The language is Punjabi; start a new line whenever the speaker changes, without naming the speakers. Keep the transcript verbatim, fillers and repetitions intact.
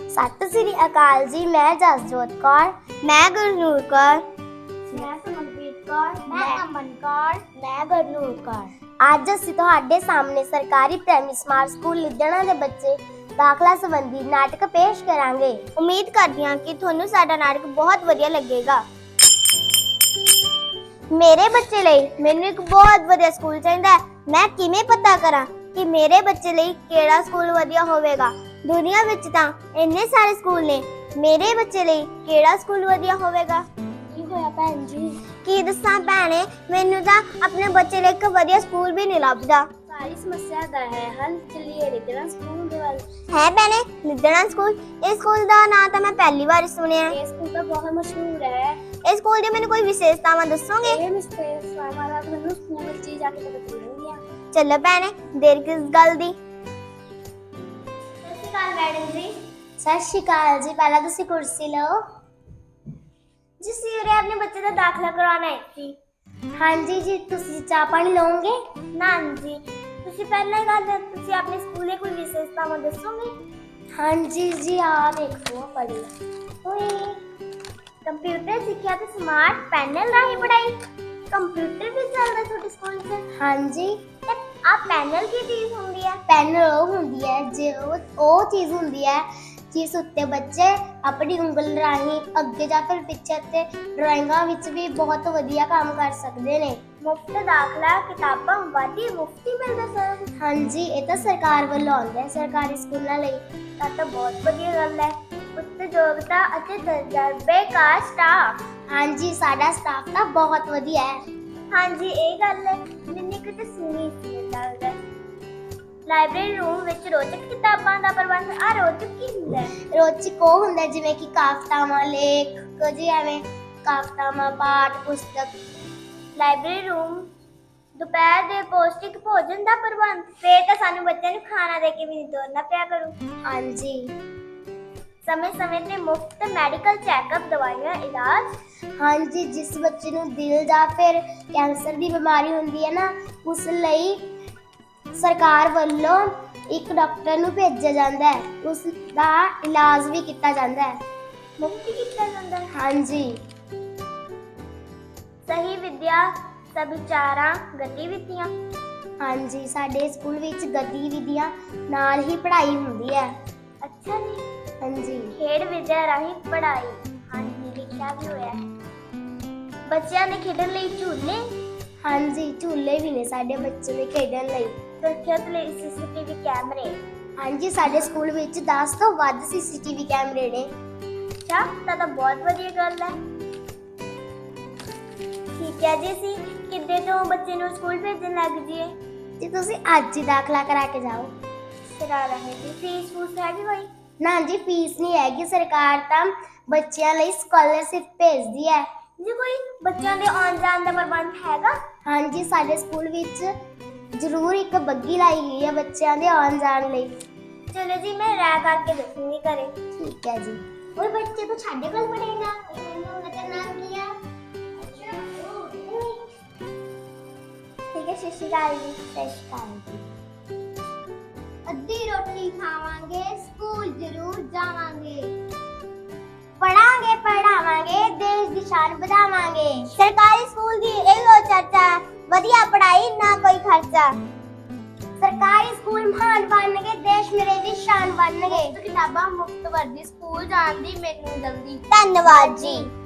ਸਤਿ ਸ੍ਰੀ ਅਕਾਲ ਜੀ। ਮੈਂ ਜਸਜੋਤ ਕੌਰ, ਮੈਂ ਗੁਰਨੂਰ ਕੌਰ, ਮੈਂ ਸਮਨਪ੍ਰੀਤ ਕੌਰ, ਮੈਂ ਅਮਨ ਕੌਰ, ਮੈਂ ਗੁਰਨੂਰ ਕੌਰ। ਅੱਜ ਅਸੀਂ ਤੁਹਾਡੇ ਸਾਹਮਣੇ ਸਰਕਾਰੀ ਪ੍ਰਾਇਮਰੀ ਸਮਾਰਟ ਸਕੂਲ ਲੁਧਿਆਣਾ ਦੇ ਬੱਚੇ ਦਾਖਲਾ ਸੰਬੰਧੀ ਨਾਟਕ ਪੇਸ਼ ਕਰਾਂਗੇ। ਉਮੀਦ ਕਰਦੀ ਹਾਂ ਕਿ ਤੁਹਾਨੂੰ ਸਾਡਾ ਨਾਟਕ ਬਹੁਤ ਵਧੀਆ ਲੱਗੇਗਾ। ਮੇਰੇ ਬੱਚੇ ਲਈ ਮੈਨੂੰ ਇੱਕ ਬਹੁਤ ਵਧੀਆ ਸਕੂਲ ਚਾਹੀਦਾ ਹੈ। ਮੈਂ ਕਿਵੇਂ ਪਤਾ ਕਰਾਂ ਕਿ ਮੇਰੇ ਬੱਚੇ ਲਈ ਕਿਹੜਾ ਸਕੂਲ ਵਧੀਆ ਹੋਵੇਗਾ? ਦੁਨੀਆ ਵਿੱਚ ਤਾਂ ਇੰਨੇ ਸਾਰੇ ਸਕੂਲ ਨੇ, ਮੇਰੇ ਬੱਚੇ ਲਈ ਕਿਹੜਾ ਸਕੂਲ ਵਧੀਆ ਹੋਵੇਗਾ? ਕੀ ਹੋਇਆ ਭੈਣ ਜੀ? ਕੀ ਦੱਸਾਂ ਭੈਣੇ, ਮੈਨੂੰ ਤਾਂ ਆਪਣੇ ਬੱਚੇ ਲਈ ਇੱਕ ਵਧੀਆ ਸਕੂਲ ਵੀ ਨਹੀਂ ਲੱਭਦਾ। ਸਾਰੀ ਸਮੱਸਿਆ ਦਾ ਹੈ ਹੱਲ ਚੱਲੀਏ ਲਿਦਣਾ ਸਕੂਲ ਦੇ ਵੱਲ। ਹੈ ਭੈਣੇ, ਲਿਦਣਾ ਸਕੂਲ? ਇਸ ਸਕੂਲ ਦਾ ਨਾਂ ਤਾਂ ਮੈਂ ਪਹਿਲੀ ਵਾਰ ਸੁਣਿਆ। ਇਹ ਸਕੂਲ ਤਾਂ ਬਹੁਤ ਮਸ਼ਹੂਰ ਹੈ। ਇਸ ਸਕੂਲ ਦੀ ਮੈਨੂੰ ਕੋਈ ਵਿਸ਼ੇਸ਼ਤਾਵਾਂ ਦੱਸੋਗੇ? ਇਹ ਵਿਸ਼ੇਸ਼ਤਾਵਾਂ ਦਾ ਮੈਨੂੰ ਸਕੂਲ ਵਿੱਚ ਹੀ ਜਾ ਕੇ ਪਤਾ ਚੱਲਣਗੀਆਂ। ਚਲੋ ਭੈਣੇ, ਦੇਰ ਕਿਸ ਗੱਲ ਦੀ? ਸਤਿ ਸ਼੍ਰੀ ਅਕਾਲ ਮੈਡਮ ਜੀ। ਸਤਿ ਸ਼੍ਰੀ ਅਕਾਲ ਜੀ। ਪਹਿਲਾਂ ਤੁਸੀਂ ਕੁਰਸੀ ਲਓ। ਜੀ ਸਿਰੇ ਆਪਣੇ ਬੱਚੇ ਦਾ ਦਾਖਲਾ ਕਰਵਾਉਣਾ ਹੈ ਜੀ। ਹਾਂਜੀ ਜੀ, ਤੁਸੀਂ ਚਾਹ ਪਾਣੀ ਲਓਗੇ? ਨਾ ਜੀ, ਤੁਸੀਂ ਪਹਿਲਾਂ ਹੀ ਗੱਲ ਤੁਸੀਂ ਆਪਣੇ ਸਕੂਲ ਦੇ ਕੋਈ ਵਿਸ਼ੇਸ਼ਤਾਵਾਂ ਦੱਸੋਗੇ? ਹਾਂਜੀ ਜੀ, ਆ ਦੇਖੋ ਪੜ੍ਹੋ। ਓਏ ਕੰਪਿਊਟਰ ਸਿੱਖਿਆ ਤੇ ਸਮਾਰਟ ਪੈਨਲ ਰਾਹੀਂ ਪੜ੍ਹਾਈ। ਕੰਪਿਊਟਰ ਵੀ ਚੱਲਦਾ ਤੁਹਾਡੇ ਸਕੂਲ 'ਚ? ਹਾਂਜੀ। ਤੇ ਆ ਪੈਨਲ ਕੀ ਚੀਜ਼ ਹੁੰਦੀ ਹੈ? ਪੈਨਲ ਉਹ ਹੁੰਦੀ ਹੈ ਜੇ ਉਹ ਉਹ ਚੀਜ਼ ਹੁੰਦੀ ਹੈ ਜਿਸ ਉੱਤੇ ਬੱਚੇ ਆਪਣੀ ਉਂਗਲ ਰਾਹੀਂ ਅੱਗੇ ਜਾ ਕੇ ਪਿੱਛੇ ਤੇ ਡਰਾਇੰਗਾਂ ਵਿੱਚ ਵੀ ਬਹੁਤ ਵਧੀਆ ਕੰਮ ਕਰ ਸਕਦੇ ਨੇ। ਮੁਫਤ ਦਾਖਲਾ, ਕਿਤਾਬਾਂ, ਵਾਧੀ ਮੁਫਤੀ ਮਿਲਦਾ ਸਰ? ਹਾਂਜੀ, ਇਹ ਤਾਂ ਸਰਕਾਰ ਵੱਲੋਂ ਆਉਂਦਾ ਹੈ ਸਰਕਾਰੀ ਸਕੂਲਾਂ ਲਈ। ਤਾਂ ਤਾਂ ਬਹੁਤ ਵਧੀਆ ਗੱਲ ਹੈ। ਉੱਚ ਯੋਗਤਾ ਅਤੇ ਤਜਰਬੇਕਾਰ ਸਟਾਫ? ਹਾਂਜੀ, ਸਾਡਾ ਸਟਾਫ ਤਾਂ ਬਹੁਤ ਵਧੀਆ ਹੈ। ਹਾਂਜੀ, ਇਹ ਗੱਲ ਹੈ ਮੈਨੂੰ ਕਿਤੇ ਸੁਣੀ ਸੀ ਲੱਗਦਾ। ਲਾਇਬ੍ਰੇਰੀ ਰੂਮ ਵਿੱਚ ਰੋਚਕ ਕਿਤਾਬਾਂ ਦਾ ਪ੍ਰਬੰਧ। ਆ ਰੋਚਕ ਕੀ ਹੁੰਦਾ ਹੈ? ਰੋਚਕ ਉਹ ਹੁੰਦਾ ਜਿਵੇਂ ਕਿ ਕਾਫਤਾਵਾਂ, ਲੇਖ ਜੀ, ਐਵੇਂ ਕਾਫਤਾਵਾਂ, ਪਾਠ ਪੁਸਤਕ। ਲਾਇਬ੍ਰੇਰੀ ਰੂਮ ਦੁਪਹਿਰ ਦੇ ਪੌਸ਼ਟਿਕ ਭੋਜਨ ਦਾ ਪ੍ਰਬੰਧ। ਫੇਰ ਤਾਂ ਸਾਨੂੰ ਬੱਚਿਆਂ ਨੂੰ ਖਾਣਾ ਦੇ ਕੇ ਵੀ ਨਹੀਂ ਤੋਰਨਾ ਪਿਆ ਕਰੂ। ਹਾਂਜੀ। ਸਮੇਂ ਸਮੇਂ ਤੇ ਮੁਫਤ ਮੈਡੀਕਲ ਚੈੱਕਅਪ, ਦਵਾਈਆਂ, ਇਲਾਜ। ਹਾਂਜੀ, ਜਿਸ ਬੱਚੇ ਨੂੰ ਦਿਲ ਜਾਂ ਫਿਰ ਕੈਂਸਰ ਦੀ ਬਿਮਾਰੀ ਹੁੰਦੀ ਹੈ ਨਾ, ਉਸ ਲਈ ਸਰਕਾਰ ਵੱਲੋਂ ਇੱਕ ਡਾਕਟਰ ਨੂੰ ਭੇਜਿਆ ਜਾਂਦਾ ਹੈ। ਉਸ ਦਾ ਇਲਾਜ ਵੀ ਕੀਤਾ ਜਾਂਦਾ ਹੈ। ਮੁਫਤ ਕੀਤਾ ਜਾਂਦਾ ਹੈ? ਹਾਂਜੀ। ਸਹੀ ਵਿੱਦਿਆ ਸਭਿਆਚਾਰਾਂ ਗਤੀਵਿਧੀਆਂ? ਹਾਂਜੀ, ਸਾਡੇ ਸਕੂਲ ਵਿੱਚ ਗਤੀਵਿਧੀਆਂ ਨਾਲ ਹੀ ਪੜ੍ਹਾਈ ਹੁੰਦੀ ਹੈ। ਅੱਛਾ ਜੀ। ਹਾਂਜੀ। ਖੇਡ ਵਿੱਦਿਆ ਰਾਹੀਂ ਪੜ੍ਹਾਈ? ਹਾਂਜੀ, ਲਿਖਿਆ ਵੀ ਹੋਇਆ ਹੈ। ਬੱਚਿਆਂ ਦੇ ਖੇਡਣ ਲਈ ਝੂਲੇ? ਹਾਂਜੀ, ਝੂਲੇ ਵੀ ਨੇ ਸਾਡੇ ਬੱਚੇ ਦੇ ਖੇਡਣ ਲਈ। ਸੁਰੱਖਿਅਤ ਲਈ ਸੀਸੀਟੀਵੀ ਕੈਮਰੇ? ਹਾਂਜੀ, ਸਾਡੇ ਸਕੂਲ ਵਿੱਚ ਦਸ ਤੋਂ ਵੱਧ ਸੀਸੀਟੀਵੀ ਕੈਮਰੇ ਨੇ। ਅੱਛਾ, ਤਾਂ ਤਾਂ ਬਹੁਤ ਵਧੀਆ ਗੱਲ ਹੈ। ਠੀਕ ਹੈ ਜੀ, ਅਸੀਂ ਕਿੱਦੇ ਤੋਂ ਬੱਚੇ ਨੂੰ ਸਕੂਲ ਭੇਜਣ ਲੱਗ ਜੀਏ? ਜੀ ਤੁਸੀਂ ਅੱਜ ਹੀ ਦਾਖਲਾ ਕਰਾ ਕੇ ਜਾਓ। ਕਰਾ ਰਹੇ ਜੀ। ਫੀਸ ਫੂਸ ਹੈਗੀ ਕੋਈ? ਨਾ ਜੀ, ਫੀਸ ਨਹੀਂ ਹੈਗੀ। ਸਰਕਾਰ ਤਾਂ ਬੱਚਿਆਂ ਲਈ ਸਕਾਲਰਸ਼ਿਪ ਭੇਜਦੀ ਹੈ। ਜੀ ਕੋਈ ਬੱਚਿਆਂ ਦੇ ਆਉਣ ਜਾਣ ਦਾ ਪ੍ਰਬੰਧ ਹੈਗਾ? ਹਾਂਜੀ, ਸਾਡੇ ਸਕੂਲ ਵਿੱਚ ਜ਼ਰੂਰ ਇੱਕ ਬੱਗੀ ਲਾਈ ਗਈ ਹੈ ਬੱਚਿਆਂ ਦੇ ਆਉਣ ਜਾਣ ਲਈ। ਚਲੋ ਜੀ, ਮੈਂ ਰਾਇ ਕਰਕੇ ਦੱਸੂਗੀ ਘਰੇ। ਠੀਕ ਹੈ ਜੀ। ਉਹ ਬੱਚੇ ਤੋਂ ਸਾਡੇ ਕੋਲ ਪੜੇਗਾ? ਉਹਦਾ ਨਾਮ ਕੀ ਹੈ? ਠੀਕ ਹੈ। ਸਤਿ ਸ਼੍ਰੀ ਅਕਾਲ ਜੀ। ਸਤਿ ਸ਼੍ਰੀ ਅਕਾਲ ਜੀ। ਅੱਧੀ ਰੋਟੀ ਖਾਵਾਂਗੇ, ਸਕੂਲ ਜ਼ਰੂਰ ਜਾਵਾਂਗੇ। ਪੜਾਂਗੇ, ਪੜਾਵਾਂਗੇ, ਦੇਸ਼ ਦੀ ਸ਼ਾਨ ਵਧਾਵਾਂਗੇ। ਸਰਕਾਰੀ ਸਕੂਲ ਦੀ ਇਹੋ ਚਰਚਾ, ਵਧੀਆ ਪੜ੍ਹਾਈ, ਨਾ ਕੋਈ ਖਰਚਾ। ਸਰਕਾਰੀ ਸਕੂਲ ਮਹਾਨ ਬਣਨਗੇ, ਦੇਸ਼ ਮੇਰੇ ਦੀ ਸ਼ਾਨ ਬਣਨਗੇ। ਮੁਫਤ ਕਿਤਾਬਾਂ, ਮੁਫਤ ਵਰਦੀ, ਸਕੂਲ ਜਾਣ ਦੀ ਮੈਨੂੰ ਜਲਦੀ। ਧੰਨਵਾਦ ਜੀ।